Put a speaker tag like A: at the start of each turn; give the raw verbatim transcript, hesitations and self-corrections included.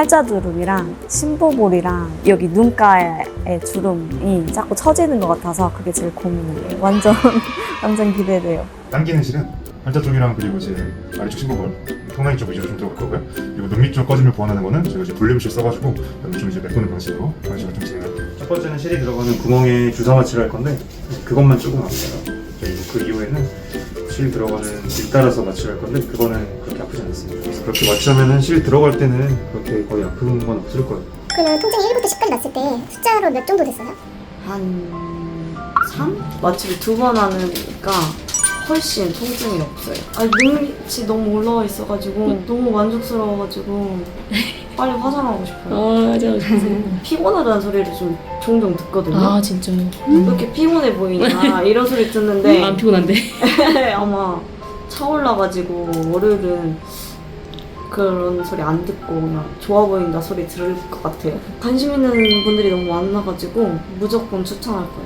A: 팔자주름이랑 심부볼이랑 여기 눈가에 주름이 자꾸 처지는 것 같아서 그게 제일 고민이에요. 완전 완전 기대돼요.
B: 당기는 실은 팔자 쪽이랑 그리고 이제 아래쪽 심부볼, 턱라인 쪽 위주로 좀 들어갈 거고요. 그리고 눈 밑쪽 꺼짐을 보완하는 거는 저희가 이제 볼륨실 써가지고 여기 좀 이제 메꾸는 방식으로 방식을 좀 진행할 거예요. 첫 번째는 실이 들어가는 구멍에 주사 마취를 할 건데 그것만 조금 아파요. 그리고 그 이후에는 실 들어가는 길 따라서 마취를 할 건데 그거는 그렇게 아프지 않습니다. 그래서 그렇게 마취하면은 실 들어갈 때는 그렇게 거의 아픈 건 없을 거예요.
C: 그러면 통증이 일부터 십까지 났을 때 숫자로 몇 정도 됐어요?
A: 한 삼? 마취를 두 번 하니까 훨씬 통증이 없어요. 아니 눈밑이 너무 올라와 있어가지고 너무 만족스러워가지고 빨리 화장하고 싶어요.
D: 아 맞아 맞아.
A: 피곤하다는 소리를 좀 종종 듣거든요.
D: 아 진짜요?
A: 왜 이렇게 피곤해 보이냐 이런 소리 듣는데
D: 안 피곤한데?
A: 아마 차올라가지고 월요일은 그런 소리 안 듣고 그냥 좋아 보인다 소리 들을 것 같아요. 관심 있는 분들이 너무 많아가지고 무조건 추천할 거예요.